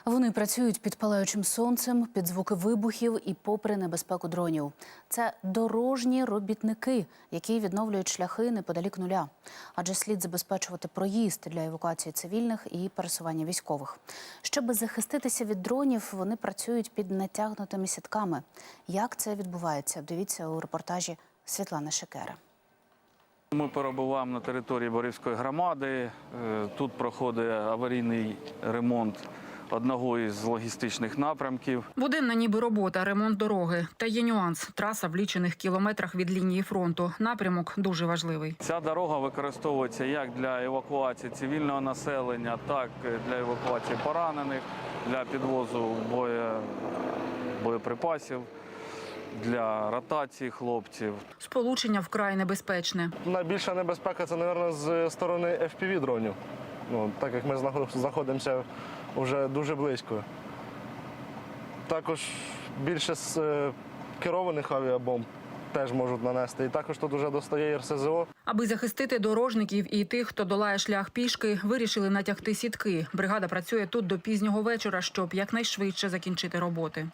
Вони працюють під палаючим сонцем, під звуки вибухів і попри небезпеку дронів. Це дорожні робітники, які відновлюють шляхи неподалік нуля. Адже слід забезпечувати проїзд для евакуації цивільних і пересування військових. Щоб захиститися від дронів, вони працюють під натягнутими сітками. Як це відбувається? Дивіться у репортажі Світлани Шикера. Ми перебуваємо на території Борівської громади. Тут проходить аварійний ремонт одного із логістичних напрямків. Буденна ніби робота, ремонт дороги. Та є нюанс – траса в лічених кілометрах від лінії фронту. Напрямок дуже важливий. Ця дорога використовується як для евакуації цивільного населення, так і для евакуації поранених, для підвозу боєприпасів, для ротації хлопців. Сполучення вкрай небезпечне. Найбільша небезпека – це, мабуть, з сторони FPV-дронів. Так як ми знаходимося вже дуже близько. Також більше з керованих авіабомб теж можуть нанести. І також тут вже достає РСЗО. Аби захистити дорожників і тих, хто долає шлях пішки, вирішили натягти сітки. Бригада працює тут до пізнього вечора, щоб якнайшвидше закінчити роботи.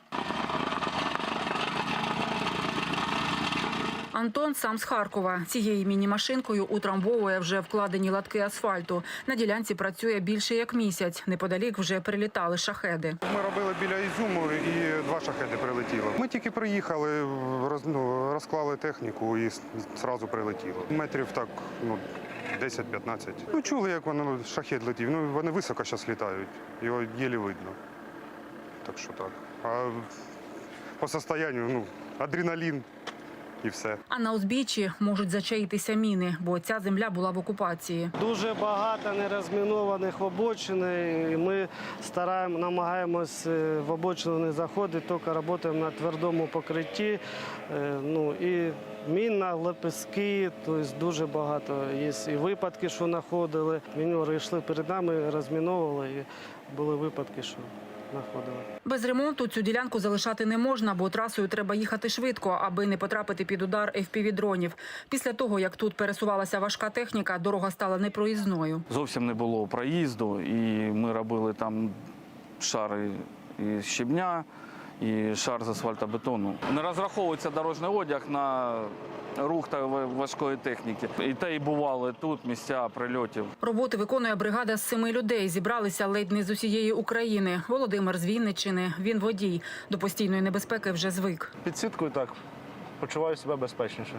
Антон сам з Харкова. Цією міні-машинкою утрамбовує вже вкладені латки асфальту. На ділянці працює більше як місяць. Неподалік вже прилітали шахеди. Ми робили біля Ізюму і 2 шахеди прилетіло. Ми тільки приїхали, розклали техніку і одразу прилетіло. Метрів так 10-15. Чули, як шахед летів. Вони високо зараз літають, його єлі видно. Так що так. А по состоянню адреналін. І все. А на узбіччі можуть зачаїтися міни, бо ця земля була в окупації. Дуже багато нерозмінованих обочин. І ми намагаємось в обочину не заходити, тільки працюємо на твердому покритті. І мінна, лепестки, тобто дуже багато. Є і випадки, що знаходили. Міньори йшли перед нами, розміновували, і були випадки, що знаходили. Без ремонту цю ділянку залишати не можна, бо трасою треба їхати швидко, аби не потрапити під удар FPV-дронів. Після того, як тут пересувалася важка техніка, дорога стала непроїзною. Зовсім не було проїзду, і ми робили там шари із щебня і шар з асфальтобетону. Не розраховується дорожній одяг на рух та важкої техніки. І те й бували тут місця прильотів. Роботи виконує бригада з 7 людей. Зібралися ледь не з усієї України. Володимир з Вінниччини. Він водій. До постійної небезпеки вже звик. Під сіткою так почуваю себе безпечніше.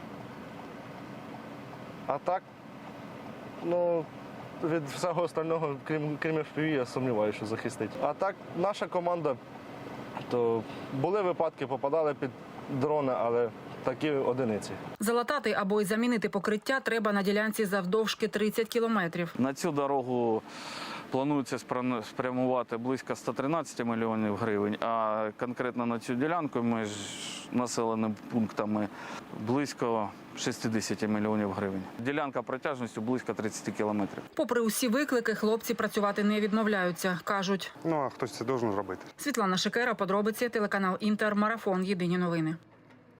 А так, від всього остального, крім FPV, я сумніваюся, що захистить. А так, наша команда, то були випадки, попадали під дрони, але такі одиниці. Залатати або й замінити покриття треба на ділянці завдовжки 30 кілометрів. На цю дорогу планується спрямувати близько 113 мільйонів гривень, а конкретно на цю ділянку між населеними пунктами близько 60 мільйонів гривень. Ділянка протяжністю близько 30 кілометрів. Попри усі виклики, хлопці працювати не відмовляються, кажуть. А хтось це має робити. Світлана Шикера, подробиці, телеканал Інтер, Марафон, Єдині новини.